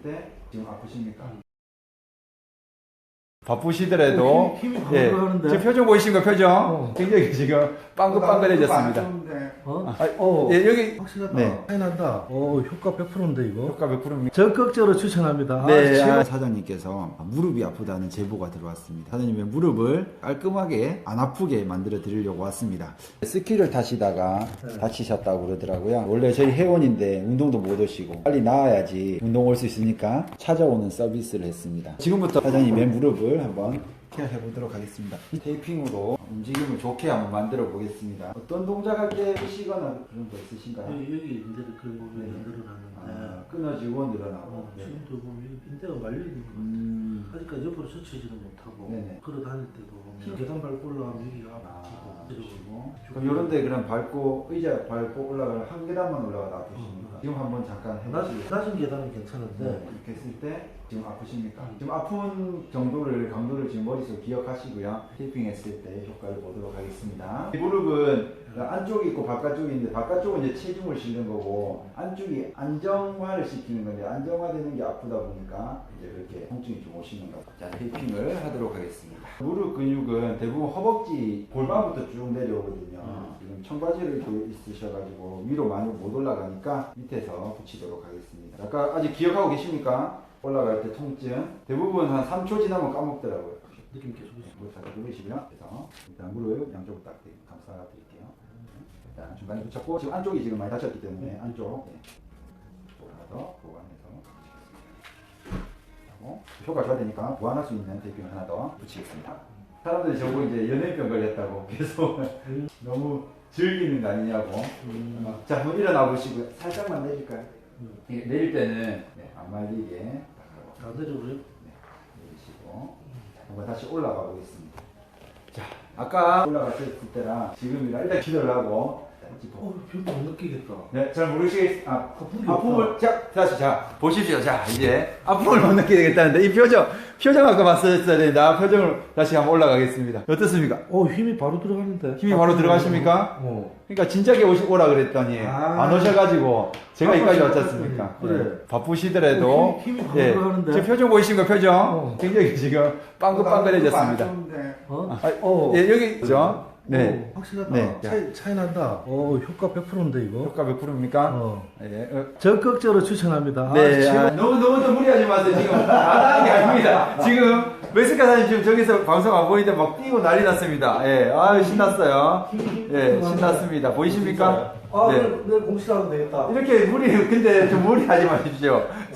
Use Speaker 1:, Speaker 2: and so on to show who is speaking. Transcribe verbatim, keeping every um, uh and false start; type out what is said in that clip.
Speaker 1: 때 지금 아프십니까? 바쁘시더라도
Speaker 2: 힘이, 힘이
Speaker 1: 예,
Speaker 2: 하는데.
Speaker 1: 지금 표정 보이십니까? 표정
Speaker 2: 어.
Speaker 1: 굉장히 지금 빵긋빵긋해졌습니다.
Speaker 2: 어?
Speaker 1: 아,
Speaker 2: 어.
Speaker 1: 예, 여기
Speaker 2: 확실하다.
Speaker 1: 네.
Speaker 2: 차이 난다. 어, 효과 백 퍼센트인데 이거.
Speaker 1: 효과 백 퍼센트입니다.
Speaker 2: 적극적으로 추천합니다.
Speaker 1: 네,
Speaker 2: 아,
Speaker 1: 아, 사장님께서 무릎이 아프다는 제보가 들어왔습니다. 사장님의 무릎을 깔끔하게 안 아프게 만들어 드리려고 왔습니다. 스키를 타시다가
Speaker 2: 네.
Speaker 1: 다치셨다고 그러더라고요. 원래 저희 회원인데 운동도 못 오시고 빨리 나와야지 운동 올 수 있으니까 찾아오는 서비스를 했습니다. 지금부터 사장님의 무릎을 한번 케어해 보도록 하겠습니다. 테이핑으로 움직임을 좋게 한번 만들어 보겠습니다. 어떤 동작 할 때 하시거나 그런 거 있으신가요?
Speaker 2: 여기, 여기 인대를 그런 부분이
Speaker 1: 네.
Speaker 2: 늘어나는데.
Speaker 1: 아, 끊어지고 늘어나고.
Speaker 2: 어,
Speaker 1: 네.
Speaker 2: 지금도 보면 여기 인대가 말려 있는 거.
Speaker 1: 음.
Speaker 2: 아직까지 옆으로 젖히지는 못하고
Speaker 1: 네네.
Speaker 2: 걸어 다닐 때도 보면 계단 밟고 올라가면 여기가 아프고
Speaker 1: 아,
Speaker 2: 그리고
Speaker 1: 그럼 요런 데 그럼 밟고 의자 밟고 올라가면 한 계단만 올라가도 아프십니까?
Speaker 2: 음.
Speaker 1: 지금 한번 잠깐
Speaker 2: 낮은,
Speaker 1: 해보시죠.
Speaker 2: 낮은 계단은 괜찮은데
Speaker 1: 네, 이렇게 했을 때 지금 아프십니까?
Speaker 2: 음.
Speaker 1: 지금 아픈 정도를 강도를 지금 머릿속에 기억하시고요. 테이핑 했을 때 효과를 보도록 하겠습니다. 이 무릎은 안쪽이 있고 바깥쪽이 있는데 바깥쪽은 이제 체중을 실는 거고 안쪽이 안정화를 시키는 건데 안정화되는 게 아프다 보니까 이제 이렇게 통증이 좀 오시는 거죠. 자, 테이핑을 하도록 하겠습니다. 무릎 근육은 대부분 허벅지 골반부터 쭉 내려오거든요.
Speaker 2: 음.
Speaker 1: 지금 청바지를 입고 있으셔가지고 위로 많이 못 올라가니까 밑에서 붙이도록 하겠습니다. 아까 아직 기억하고 계십니까? 올라갈 때 통증 대부분 한 삼 초 지나면 까먹더라고요.
Speaker 2: 느낌 계속 있어.
Speaker 1: 무릎 살짝 누르시고요. 그래서 일단 무릎 양쪽으로 딱 감싸 드릴게요. 일단 중간에 붙였고 지금 안쪽이 지금 많이 다쳤기 때문에 안쪽 네. 하나 더 보완해서 하고 효과 좋아야 되니까 보완할 수 있는 테이핑을 하나 더 붙이겠습니다. 사람들이 저보고 이제 연예인병 걸렸다고 계속 너무 즐기는 거 아니냐고.
Speaker 2: 음.
Speaker 1: 자, 한번 일어나 보시고요. 살짝만 내릴까요?
Speaker 2: 음.
Speaker 1: 이게 내릴 때는 네, 안 말리게 딱 하고
Speaker 2: 안 내려버려?
Speaker 1: 내리시고 한번 다시 올라가 보겠습니다. 자, 아까 올라갔을 때랑 지금이랑 일단 기도를 하고 짚어.
Speaker 2: 어, 별로 못 느끼겠다.
Speaker 1: 네, 잘 모르시겠, 아,
Speaker 2: 아픔이
Speaker 1: 아픔을, 자, 다시, 자, 보십시오. 자, 이제, 아픔을 못 느끼게 되겠다는데, 이 표정, 표정 아까 봤었어야 되는데, 아, 표정을 다시 한번 올라가겠습니다. 어떻습니까?
Speaker 2: 어, 힘이 바로 들어가는데.
Speaker 1: 힘이 바로 들어가십니까?
Speaker 2: 어.
Speaker 1: 그러니까 진작에 오시, 오라 그랬더니,
Speaker 2: 아.
Speaker 1: 안 오셔가지고, 제가
Speaker 2: 아,
Speaker 1: 여기까지
Speaker 2: 아,
Speaker 1: 왔지 않습니까?
Speaker 2: 그래.
Speaker 1: 네. 바쁘시더라도,
Speaker 2: 어, 힘이, 힘이 바로
Speaker 1: 예,
Speaker 2: 들어가는데.
Speaker 1: 제 표정 보이신 거 표정?
Speaker 2: 어.
Speaker 1: 굉장히 지금 빵긋빵긋해졌습니다.
Speaker 2: 어?
Speaker 1: 아,
Speaker 2: 어.
Speaker 1: 예, 여기, 그죠? 네.
Speaker 2: 어, 확실하다.
Speaker 1: 네.
Speaker 2: 차이, 차이 난다. 어, 효과 백 퍼센트인데 이거.
Speaker 1: 효과 몇 프로입니까?
Speaker 2: 어.
Speaker 1: 예, 어,
Speaker 2: 적극적으로 추천합니다.
Speaker 1: 네,
Speaker 2: 아,
Speaker 1: 아, 너무 너무 더 무리하지 마세요. 지금 안 하는 게 아닙니다. 지금 메스카 사님 지금 저기서 방송 안 보이는데 막 뛰고 난리 났습니다. 예, 아 신났어요. 예, 신났습니다. 보이십니까?
Speaker 2: 아,
Speaker 1: 네.
Speaker 2: 내일, 내일 공시하면 되겠다.
Speaker 1: 이렇게 무리 근데 좀 무리하지 마십시오.